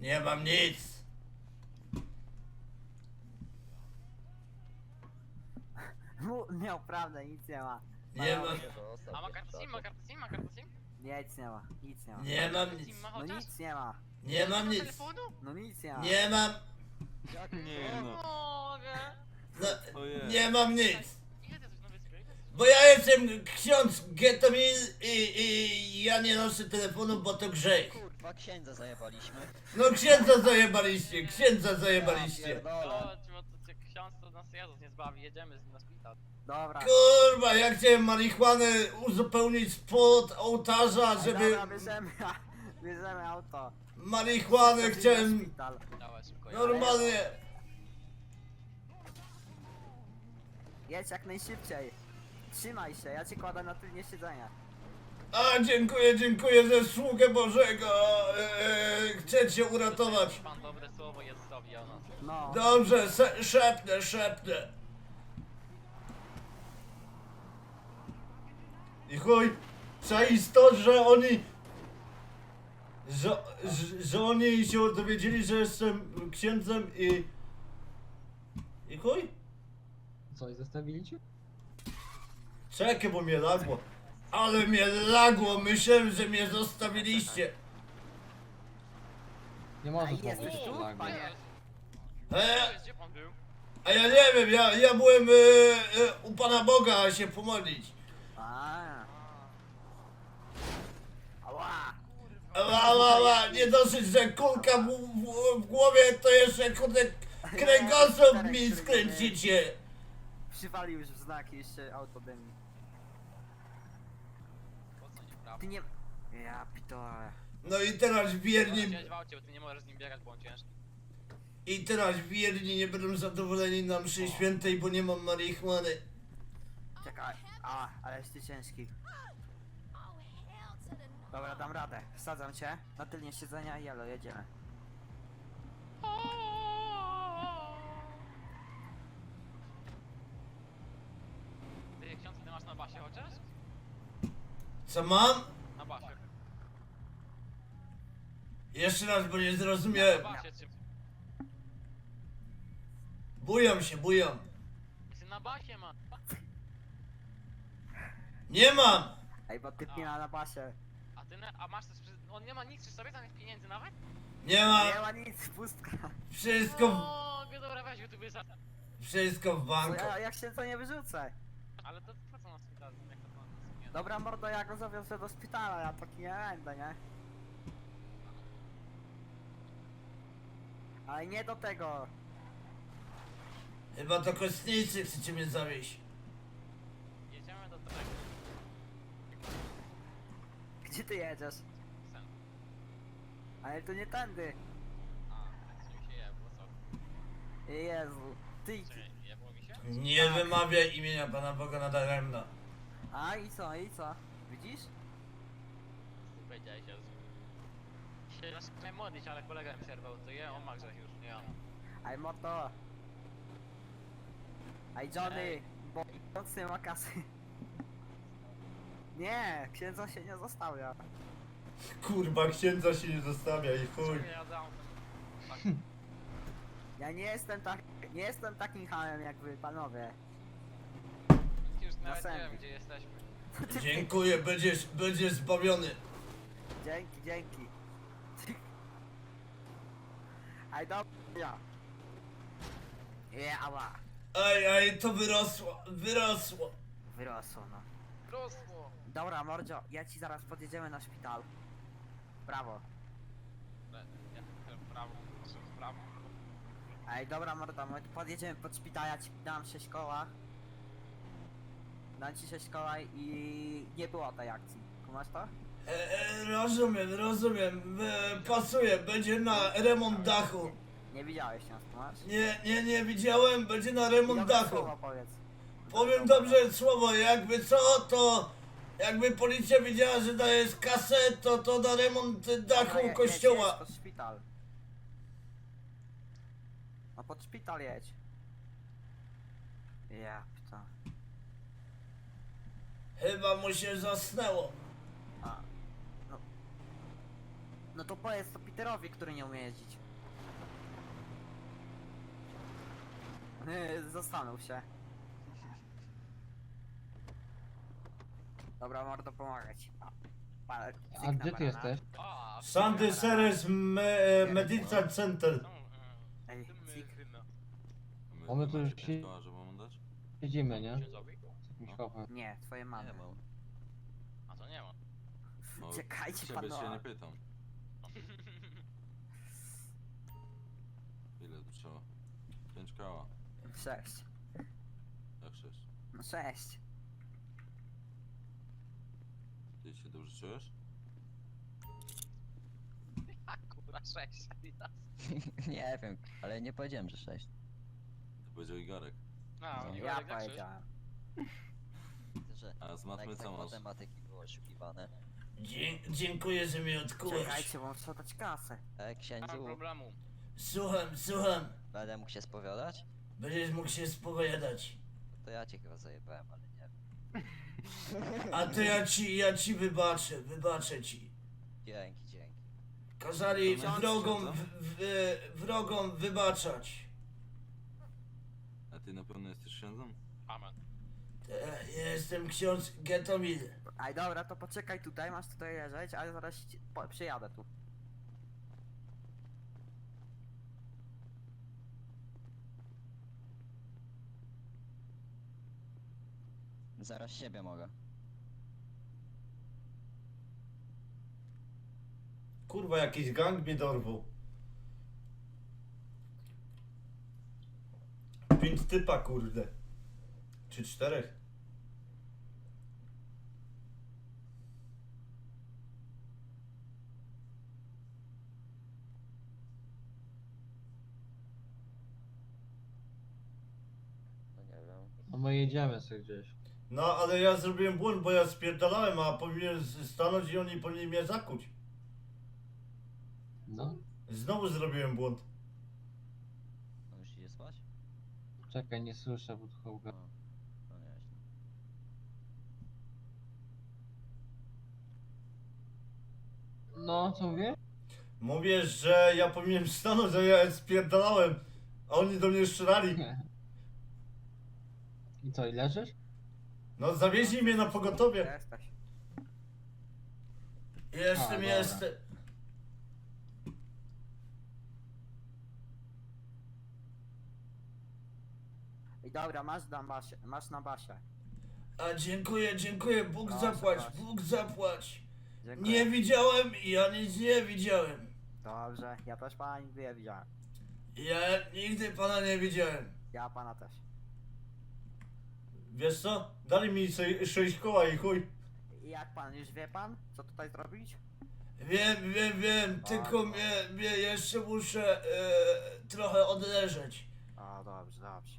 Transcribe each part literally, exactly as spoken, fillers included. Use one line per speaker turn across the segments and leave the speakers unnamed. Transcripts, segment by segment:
Nie mam nic.
Mu- Miał prawdę, nic nie ma.
Nie mam,
A ma kartę SIM, ma kartę SIM, ma kartę SIM?
Nie, nic nie ma, nic nie ma.
nie mam
Kartę
nic.
SIM ma
No
chociaż?
nic nie ma,
Nie mam nic.
telefonu?
no nic nie ma.
Nie mam,
Nie no.
Mogę.
no,
Ojej.
nie mam nic.
Ile ty coś na wyspie?
Bo ja jestem ksiądz Getomil i, i ja nie noszę telefonu, bo to grzech.
Kurwa, księdza zajebaliśmy.
No księdza zajebaliście, księdza zajebaliście.
Pierdolę.
Chodź, bo to cię ksiądz to nas Jezus nie zbawi, jedziemy z nim na szpital.
Dobra.
Kurwa, ja chciałem marihuanę uzupełnić spod ołtarza,
Ej,
żeby
Dobra, bierzemy, bierzemy auto.
marihuanę
Lecimy na
chciałem
szpital.
Dawaj szybko.
normalnie.
Jedź jak najszybciej. Trzymaj się, ja cię kładę na tylnie siedzenia.
A, dziękuję, dziękuję za sługę Bożego. Eee, chcę cię uratować.
Pan dobre słowo Jezusowi o nas.
No.
Dobrze, se, szepnę, szepnę. I chuj, czaisz to, że oni... Że, że, że oni się dowiedzieli, że jestem księdzem i... I chuj?
Co, i zostawili cię?
Czekaj, bo mnie lagło. Ale mnie lagło, myślałem, że mnie zostawiliście.
Nie
A
możesz
jesteś
mówić
tu,
tak.
panie?
E,
Gdzie pan był?
a ja nie wiem, ja, ja byłem e, e, u Pana Boga się pomodlić.
A. Ała.
Ała, ała, ała, nie dosyć, że kulka w, w, w głowie, to jeszcze kurde kręgosłup mi skręcicie.
Przywalił już w znaki, jeszcze auto dymi.
Po co nie prawo?
Ty nie... Ja pitole.
No i teraz wierni,
Chciałeś w aucie, bo ty nie możesz z nim biegać, bo on ciężki.
i teraz wierni nie będą zadowoleni na mszy świętej, bo nie mam marihuany.
Czekaj. A, ale jesteś ciężki. Dobra, dam radę. Wsadzam cię na tylnie siedzenia i jelo, jedziemy.
Ty ksiądz, ty masz na basie chociaż?
Co mam?
Na basie.
Jeszcze raz, bo nie
Na
zrozumiałem.
basie czy...
Bują się, bują.
Ty na basie ma.
Nie mam!
Ej, bo ty pina na basie.
A ty, na... a masz coś przy... On nie ma nic przy sobie, zamiast pieniędzy nawet?
Nie mam!
Nie ma nic, pustka.
Wszystko, w,
O, dobra, weź YouTube za...
wszystko w
Co,
banku.
ja, jak się to nie wyrzucę.
Ale to po co na szpital? Jak to pan nie
Dobra mordo, ja go zawiozę do szpitala, ja taki nie będę, nie? Ale nie do tego.
Chyba to kostnicy chcecie mnie zawieść.
Jedziemy do tego.
Gdzie ty jedziesz?
Sen.
Ale to nie tędy.
A, tak mi się jebło, co?
Jezu. Ty.
Czekaj, jebło mi się?
Nie wymawiaj imienia Pana Boga nadaremno.
A i co, i co? Widzisz?
Ty powiedziałeś Jezu. Się nasz chciałem modlić, ale kolega mi przerwał, to je, on ma grzech już, nie on.
Aj moto. Aj Johnny.
Ej.
Bo ksiądz nie ma kasy. Nie, księdza się nie zostawia.
Kurwa, księdza się nie zostawia i chuj.
Czekaj, ja dam. Tak.
Ja nie jestem tak, nie jestem takim hamem jak wy, panowie.
Już nawet nie
Następny.
wiem, gdzie jesteśmy.
Dziękuję, będziesz, będziesz zbawiony.
Dzięki, dzięki. Aj dobra. Jała.
Ej, ej, to wyrosło, wyrosło.
Wyrosło no.
Rosło!
Dobra mordzio, ja ci zaraz podjedziemy na szpital. Brawo.
Ja w prawo, proszę w prawo.
Ej, dobra mordo, my podjedziemy pod szpital, ja ci dam sześć koła. Dam ci sześć koła i nie było tej akcji. Kumasz to?
E, e, rozumiem, rozumiem, e, pasuje, będzie na remont dachu.
Nie widziałeś nas, kumasz?
Nie, nie, nie widziałem, będzie na remont
Dobre
dachu.
słowo powiedz.
Powiem dobrze słowo, jakby co, to jakby policja wiedziała, że dajesz kasę, to to na remont dachu
Dobra, je- jedź,
kościoła.
jedź pod szpital. No pod szpital jedź. Ja, to.
Chyba mu się zasnęło.
A. No. No to powiedz to Peterowi, który nie umie jeździć. Yy, Zastanów się. Dobra, mordo, pomagać ci. Pa- pa-
A
cyk na
gdzie ty
banana.
jesteś?
O,
Sandy Seres me, e, Medical Center.
Ej, cyk.
Bo my tu już
Macie
się-
pięć koła, że mam dać?
Siedzimy, nie?
Księdzowi?
Z jakimś chłopem.
Nie, twoje mamy.
Nie mam.
A to nie ma.
No,
Czekajcie,
ciebie się
panowie.
nie pytam. Ile tu trzeba? pięć koła.
Sześć.
Jak sześć?
No sześć.
Ty się dobrze czujesz?
A kurwa, sześć. Adidas.
Nie wiem, ale nie powiedziałem, że sześć.
To powiedział Igorek.
A,
No.
nie
Ja
jak sześć.
powiedziałem.
Że
A z matmy co
tak
masz?
matematyki było oszukiwane.
Dzie dziękuję, że mnie odkułeś.
Czekajcie, bo muszę dać kasę.
E,
Nie ma
księdzu,
problemu.
Słucham, słucham.
będę mógł się spowiadać?
Będziesz mógł się spowiadać.
To ja cię chyba zajebałem, ale nie wiem.
A to ja ci, ja ci wybaczę, wybaczę ci.
Dzięki, dzięki.
Kazali
Ksiądz,
wrogom,
ksiądz,
w, w, wrogom wybaczać.
A ty na pewno jesteś księdzem?
Amen.
Te, jestem ksiądz Getomil.
Aj dobra, to poczekaj tutaj, masz tutaj leżeć, ale zaraz ci, po, przyjadę tu.
Zaraz siebie mogę.
Kurwa, jakiś gang mnie dorwał. Pięć typa, kurde. Czy czterech?
No nie wiem.
No my jedziemy sobie gdzieś.
No, ale ja zrobiłem błąd, bo ja spierdalałem, a powinien stanąć i oni powinni mnie zakuć.
No.
Znowu zrobiłem błąd.
No już idzie spać?
Czekaj, nie słyszę podchołka.
No, no nieźle.
No, co mówię?
Mówię, że ja powinienem stanąć, a ja spierdalałem, a oni do mnie strzelali.
I co, i leżysz?
No, zawieźli mnie na pogotowie.
Jesteś.
Jestem,
A, dobra.
jestem.
I dobra, masz na basie, masz na basie.
A dziękuję, dziękuję, Bóg
Proszę,
zapłać,
proszę.
Bóg zapłać.
Dziękuję.
Nie widziałem i ja nic nie widziałem.
Dobrze, ja też pana nigdy nie widziałem.
Ja nigdy pana nie widziałem.
Ja pana też.
Wiesz co? Dali mi se- sześć koła i chuj.
I jak pan, już wie pan, co tutaj zrobić?
Wiem, wiem, wiem, tylko mnie, mnie jeszcze muszę e, trochę odleżeć.
O, dobrze, dobrze.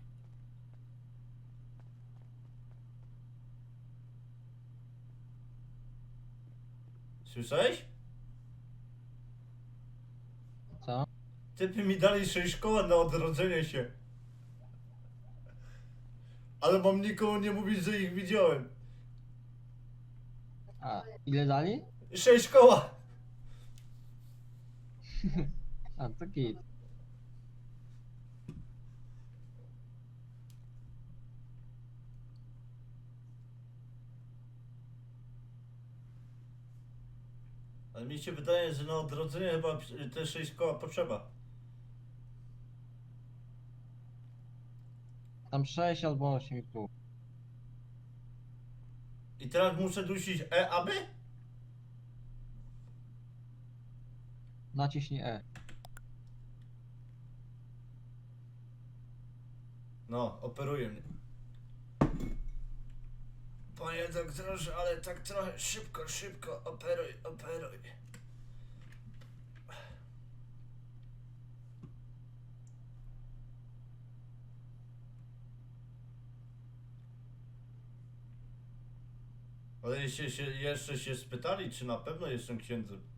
Słyszałeś?
Co?
Typy mi dali sześć koła na odrodzenie się. Ale mam nikomu nie mówić, że ich widziałem.
A, ile dali?
Sześć koła!
A, to git.
Ale mi się wydaje, że na odrodzenie chyba te sześć koła potrzeba.
Tam sześć albo osiem i pół.
I teraz muszę dusić E, aby?
Naciśnij E.
No, operuje mnie. Panie doktorze, ale tak trochę szybko, szybko, operuj, operuj. Ale jeszcze się, jeszcze się spytali, czy na pewno jestem księdzem.